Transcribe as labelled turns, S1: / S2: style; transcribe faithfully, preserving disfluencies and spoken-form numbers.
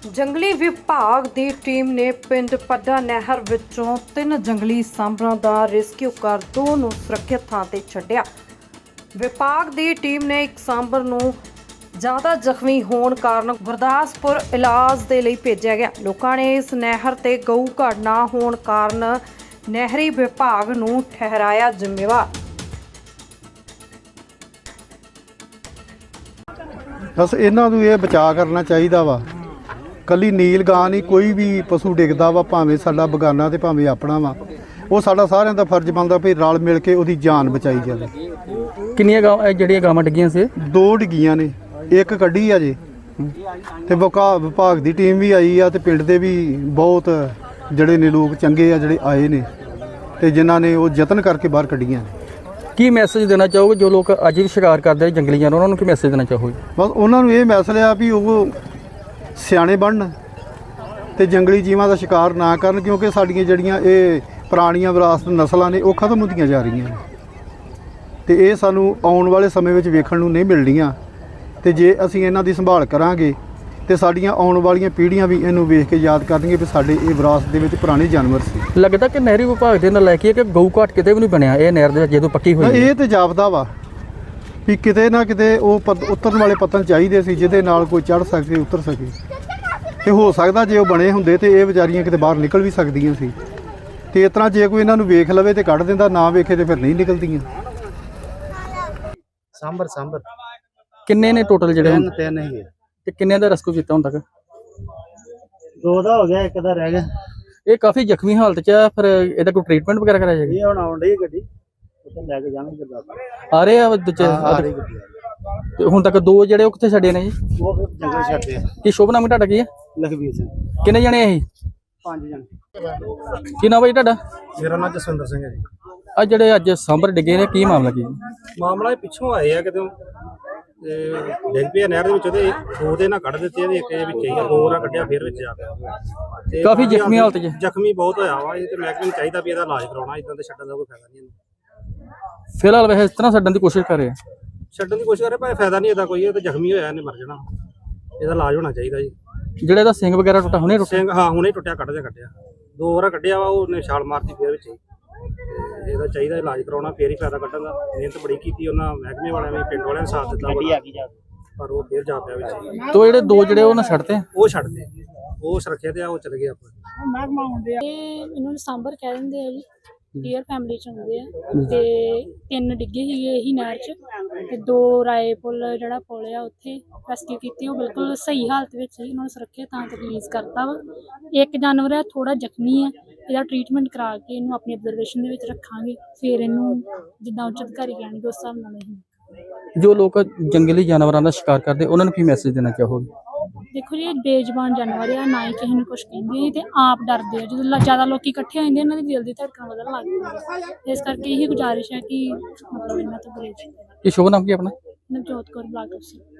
S1: ਜੰਗਲੀ ਵਿਭਾਗ ਦੀ ਟੀਮ ਨੇ ਪਿੰਡ ਪੱਡਾ ਨਹਿਰ ਵਿੱਚੋਂ ਤਿੰਨ ਜੰਗਲੀ ਸਾਂਭਰਾਂ ਦਾ ਰੈਸਕਿਊ ਕਰ ਦੋ ਨੂੰ ਸੁਰੱਖਿਅਤ ਥਾਂ ਤੇ ਛੱਡਿਆ। ਵਿਭਾਗ ਦੀ ਟੀਮ ਨੇ ਇੱਕ ਸਾਂਭਰ ਨੂੰ ਜ਼ਿਆਦਾ ਜ਼ਖਮੀ ਹੋਣ ਕਾਰਨ ਗੁਰਦਾਸਪੁਰ ਇਲਾਜ ਦੇ ਲਈ ਭੇਜਿਆ ਗਿਆ। ਲੋਕਾਂ ਨੇ ਇਸ ਨਹਿਰ ਤੇ ਗਊ ਘਾਟ ਨਾ ਹੋਣ ਕਾਰਨ ਨਹਿਰੀ ਵਿਭਾਗ ਨੂੰ ਠਹਿਰਾਇਆ ਜ਼ਿੰਮੇਵਾਰ।
S2: बस इन्हां नूं ये बचा करना चाहिए वा। कली नील गां नहीं, कोई भी पशु डिगदा वा, भावें साडा बगाना ते भावें अपना वा, वो साडा सारिਆਂ ਦਾ फर्ज बनदा भी रल मिल के ਉਹਦੀ जान बचाई जाए।
S3: ਕਿੰਨੀਆਂ ਗਾਵਾਂ ਜਿਹੜੀਆਂ ਗਾਵਾਂ ਡਿੱਗੀਆਂ ਸੀ?
S2: दो डिग्गियां ने, एक कड्ढी आ जे ਤੇ ਵਿਭਾਗ ਦੀ ਟੀਮ ਵੀ ਆਈ ਆ ਤੇ ਪਿੰਡ ਦੇ ਵੀ ਬਹੁਤ ਜਿਹੜੇ ਨੇ ਲੋਕ ਚੰਗੇ ਆ ਜਿਹੜੇ ਆਏ ਨੇ ਤੇ ਜਿਨ੍ਹਾਂ ਨੇ ਉਹ ਯਤਨ ਕਰਕੇ ਬਾਹਰ ਕੱਢੀਆਂ ਨੇ।
S3: ਕੀ ਮੈਸੇਜ ਦੇਣਾ ਚਾਹੋਗੇ ਜੋ ਲੋਕ ਅੱਜ ਵੀ ਸ਼ਿਕਾਰ ਕਰਦੇ ਜੰਗਲੀ ਜਾਨਵਰਾਂ, ਉਹਨਾਂ ਨੂੰ ਕੀ ਮੈਸੇਜ ਦੇਣਾ ਚਾਹੋਗੇ?
S2: ਬਸ ਉਹਨਾਂ ਨੂੰ ਇਹ ਮੈਸੇਜ ਆ ਵੀ ਉਹ ਸਿਆਣੇ ਬਣਨ ਤੇ ਜੰਗਲੀ ਜੀਵਾਂ ਦਾ ਸ਼ਿਕਾਰ ਨਾ ਕਰਨ, ਕਿਉਂਕਿ ਸਾਡੀਆਂ ਜਿਹੜੀਆਂ ਇਹ ਪੁਰਾਣੀਆਂ ਵਿਰਾਸਤ ਨਸਲਾਂ ਨੇ ਉਹ ਖਤਮ ਹੁੰਦੀਆਂ ਜਾ ਰਹੀਆਂ ਨੇ ਤੇ ਇਹ ਸਾਨੂੰ ਆਉਣ ਵਾਲੇ ਸਮੇਂ ਵਿੱਚ ਵੇਖਣ ਨੂੰ ਨਹੀਂ ਮਿਲਣੀਆਂ। ਤੇ ਜੇ ਅਸੀਂ ਇਹਨਾਂ ਦੀ ਸੰਭਾਲ ਕਰਾਂਗੇ ਤੇ ਸਾਡੀਆਂ ਆਉਣ ਵਾਲੀਆਂ ਪੀੜ੍ਹੀਆਂ ਵੀ ਇਹਨੂੰ ਵੇਖ ਕੇ ਯਾਦ ਕਰਨਗੇ ਵੀ ਸਾਡੇ ਇਹ ਵਿਰਾਸਤ ਦੇ ਵਿੱਚ ਪੁਰਾਣੇ ਜਾਨਵਰ ਸੀ।
S3: ਲੱਗਦਾ ਕਿ ਨਹਿਰੀ ਵਿਭਾਗ ਦੇ ਨਾਲ ਲੈ ਕੇ ਕਿ ਗਊ ਘਾਟ ਕਿਤੇ ਵੀ ਨਹੀਂ ਬਣਿਆ ਇਹ ਨਹਿਰ ਦੇ ਵਿੱਚ ਜਦੋਂ ਪੱਕੀ ਹੋਈ।
S2: ਇਹ ਤੇ ਜਾਪਦਾ ਵਾ ਵੀ ਕਿਤੇ ਨਾ ਕਿਤੇ ਉਹ ਉਤਰਨ ਵਾਲੇ ਪੱਤਨ ਚਾਹੀਦੇ ਸੀ ਜਿਹਦੇ ਨਾਲ ਕੋਈ ਚੜ੍ਹ ਸਕੇ, ਉਤਰ ਸਕੇ। ਤੇ ਹੋ ਸਕਦਾ ਜੇ ਉਹ ਬਣੇ ਹੁੰਦੇ ਤੇ ਇਹ ਵਿਚਾਰੀਆਂ ਕਿਤੇ ਬਾਹਰ ਨਿਕਲ ਵੀ ਸਕਦੀਆਂ ਸੀ। ਤੇ ਇਸ ਤਰ੍ਹਾਂ ਜੇ ਕੋਈ ਇਹਨਾਂ ਨੂੰ ਵੇਖ ਲਵੇ ਤੇ ਕੱਢ ਦਿੰਦਾ, ਨਾ ਵੇਖੇ ਤੇ ਫਿਰ ਨਹੀਂ ਨਿਕਲਦੀਆਂ।
S4: ਸਾਂਬਰ ਸਾਂਬਰ
S3: ਕਿੰਨੇ ਨੇ ਟੋਟਲ ਜਿਹੜੇ?
S4: ਤਿੰਨ ਤਿੰਨ ਹੀ ਹੈ।
S3: ਤੇ ਕਿੰਨੇ ਦਾ ਰੈਸਕਿਊ ਕੀਤਾ ਹੁਣ ਤੱਕ?
S4: ਦੋ ਦਾ ਹੋ ਗਿਆ, ਇੱਕ ਦਾ ਰਹਿ ਗਿਆ।
S3: ਇਹ ਕਾਫੀ ਜ਼ਖਮੀ ਹਾਲਤ 'ਚ ਆ, ਫਿਰ ਇਹਦਾ ਕੋਈ ਟ੍ਰੀਟਮੈਂਟ ਵਗੈਰਾ ਕਰਾਇਆ ਜਾਏਗਾ?
S4: ਇਹ ਹੁਣ ਆਉਣ ਡਈ ਗੱਡੀ, ਉੱਥੇ ਲੈ ਕੇ ਜਾਣਗੇ ਗੁਰਦਾਸਪੁਰ।
S3: ਆ ਰਹੇ ਆ ਦੂਜੇ?
S4: ਆ ਰਹੀ ਗੱਡੀ ਆ ਰਹੀ।
S3: ਤੇ ਹੁਣ ਤੱਕ ਦੋ ਜਿਹੜੇ ਉਹ ਕਿੱਥੇ ਛੱਡੇ ਨੇ ਜੀ?
S4: ਉਹ ਫਿਰ ਜੰਗਲ ਛੱਡਦੇ ਆ।
S3: ਕੀ ਸ਼ੁਭ ਨਾਮ ਤੁਹਾਡਾ ਕੀ ਹੈ?
S4: ਲਖਵੀਰ ਸਿੰਘ।
S3: ਕਿੰਨੇ ਜਣੇ ਆ ਇਹ?
S4: ਪੰਜ ਜਣੇ।
S3: ਕੀ ਨਾਮ ਹੈ ਜੀ ਤੁਹਾਡਾ?
S4: ਮੇਰਾ ਨਾਮ ਜਸਵਿੰਦਰ ਸਿੰਘ ਹੈ ਜੀ।
S3: ਆ ਜਿਹੜੇ ਅੱਜ ਸਾਂਭਰ ਡਿੱਗੇ ਨੇ, ਕੀ ਮਾਮਲਾ ਕੀ?
S5: ਮਾਮਲਾ ਇਹ ਪਿੱਛੋਂ ਆਏ ਆ ਕਿਤੇ ਤੇ ਡਿੱਗ ਪਿਆ ਨਹਿਰ ਦੇ ਵਿੱਚ, ਉਹਦੇ ਦੋ ਦੇ ਨਾਲ ਕੱਢ ਦਿੱਤੇ, ਇਹਦੇ ਇੱਕ ਦੇ ਵਿੱਚ ਹੀ ਆ, ਦੋ ਨਾਲ ਕੱਢਿਆ ਫਿਰ ਵਿੱਚ ਆ ਗਿਆ ਤੇ
S3: ਕਾਫੀ ਜ਼ਖਮੀ ਹਾਲਤ 'ਚ।
S5: ਜ਼ਖਮੀ ਬਹੁਤ ਹੋਇਆ ਵਾ। ਇਹ ਤੇ ਮਹਿਕਮੇ ਨੂੰ ਚਾਹੀਦਾ ਵੀ ਇਹਦਾ ਇਲਾਜ ਕਰਾਉਣਾ, ਇਦਾਂ ਤੇ ਛੱਡਣ ਦਾ ਕੋਈ ਫਾਇਦਾ ਨਹੀਂ ਇਹਨੂੰ।
S3: ਫਿਲਹਾਲ ਵੈਸੇ ਇਸ ਤਰ੍ਹਾਂ ਛੱਡਣ ਦੀ ਕੋਸ਼ਿਸ਼ ਕਰ ਰਹੇ ਆ।
S5: ਛੱਡਣ ਦੀ ਕੋਸ਼ਿਸ਼ ਕਰੇ ਪਰ ਫਾਇਦਾ ਨਹੀਂ ਇਹਦਾ ਕੋਈ। ਇਹ ਤੇ ਜ਼ਖਮੀ ਹੋਇਆ, ਇਹਨੇ ਮਰ ਜਾਣਾ। ਇਹਦਾ ਇਲਾਜ ਹੋਣਾ ਚਾਹੀਦਾ ਜੀ।
S3: ਜਿਹੜਾ ਇਹਦਾ ਸਿੰਘ ਵਗੈਰਾ ਟੁੱਟਾ ਹੁਣੇ ਟੁੱਟਿਆ?
S5: ਸਿੰਘ ਹਾਂ ਹੁਣੇ ਟੁੱਟਿਆ, ਕੱਢ ਦੇ ਕੱਢਿਆ, ਦੋ ਵਾਰ ਕੱਢਿਆ ਵਾ, ਉਹਨੇ ਛਾਲ ਮਾਰਤੀ ਫਿਰ ਵਿੱਚ ਹੀ। ਇਹਦਾ ਚਾਹੀਦਾ ਇਲਾਜ ਕਰਾਉਣਾ, ਫੇਰ ਹੀ ਫਾਇਦਾ ਕੱਢਣ ਦਾ। ਮਿਹਨਤ ਬੜੀ ਕੀਤੀ ਉਹਨਾਂ ਮਹਿਕਮੇ ਵਾਲਿਆਂ ਨੇ, ਪਿੰਡ ਵਾਲਿਆਂ ਨੇ ਸਾਥ ਦਿੱਤਾ ਬੜਾ, ਪਰ ਉਹ ਫੇਰ ਜਾ ਪਿਆ ਵਿੱਚ।
S3: ਤੋ ਜਿਹੜੇ ਦੋ ਜਿਹੜੇ ਉਹ ਨਾ ਛੱਡਤੇ?
S5: ਉਹ ਛੱਡਦੇ, ਉਹ ਸੁਰੱਖਿਅਤ ਆ, ਉਹ ਚਲੇ ਗਏ ਆਪਾਂ।
S6: ਇਹ ਇਹਨੂੰ ਸਾਂਬਰ ਕਹਿ ਦਿੰਦੇ ਆ ਜੀ, ਡੀਅਰ ਫੈਮਿਲੀ ਚ ਹੁੰਦੇ ਆ। ਤੇ ਤਿੰਨ ਡਿੱਗੇ ਸੀਗੇ ਇਹੀ ਨਹਿਰ ਚ, ਤੇ ਦੋ ਰਾਏ ਪੁੱਲ ਜਿਹੜਾ ਪੁੱਲ ਆ ਉੱਥੇ ਰੈਸਕਿਊ ਕੀਤੀ। ਉਹ ਬਿਲਕੁਲ ਸਹੀ ਹਾਲਤ ਵਿੱਚ ਸੀ, ਉਹਨਾਂ ਨੂੰ ਸੁਰੱਖਿਅਤ ਥਾਂ ਤੇ ਰਿਲੀਜ਼ ਕਰਤਾ ਵਾ। ਇੱਕ ਜਾਨਵਰ ਆ ਥੋੜਾ ਜ਼ਖਮੀ ਆ, ਇਹਦਾ ਟ੍ਰੀਟਮੈਂਟ ਕਰਾ ਕੇ ਇਹਨੂੰ ਆਪਣੀ ਅਬਜ਼ਰਵੇਸ਼ਨ ਦੇ ਵਿੱਚ ਰੱਖਾਂਗੇ, ਫਿਰ ਇਹਨੂੰ ਜਿੱਦਾਂ ਉੱਚ ਅਧਿਕਾਰੀ ਕਹਿਣਗੇ ਉਸ ਹਿਸਾਬ ਨਾਲ ਇਹ।
S3: ਜੋ ਲੋਕ ਜੰਗਲੀ ਜਾਨਵਰਾਂ ਦਾ ਸ਼ਿਕਾਰ ਕਰਦੇ ਉਹਨਾਂ ਨੂੰ ਕੀ ਮੈਸੇਜ ਦੇਣਾ ਚਾਹੋਗੇ?
S6: ਦੇਖੋ ਜੀ, ਇਹ ਬੇਜ਼ੁਬਾਨ ਜਾਨਵਰ ਆ, ਨਾ ਹੀ ਕਿਸੇ ਨੂੰ ਕੁਛ ਕਹਿੰਦੇ ਤੇ ਆਪ ਡਰਦੇ ਆ। ਜਦੋਂ ਜ਼ਿਆਦਾ ਲੋਕੀ ਇਕੱਠੇ ਹੋ ਜਾਂਦੇ ਇਹਨਾਂ ਦੀ ਦਿਲ ਦੀ ਧੜਕਣ ਵਧਣ ਲੱਗ ਜਾਂਦੀ। ਇਸ ਕਰਕੇ ਇਹੀ ਗੁਜ਼ਾਰਿਸ਼ ਹੈ ਕਿ ਮਤਲਬ ਇਹਨਾਂ ਤੋਂ ਗੁਰੇਜ਼।
S3: ਕੀ ਸ਼ੁਭ ਨਾਮ ਕੀ ਆਪਣਾ?
S6: ਨਵਜੋਤ ਕੌਰ ਬਲਾਕ ਅਫਸਰ।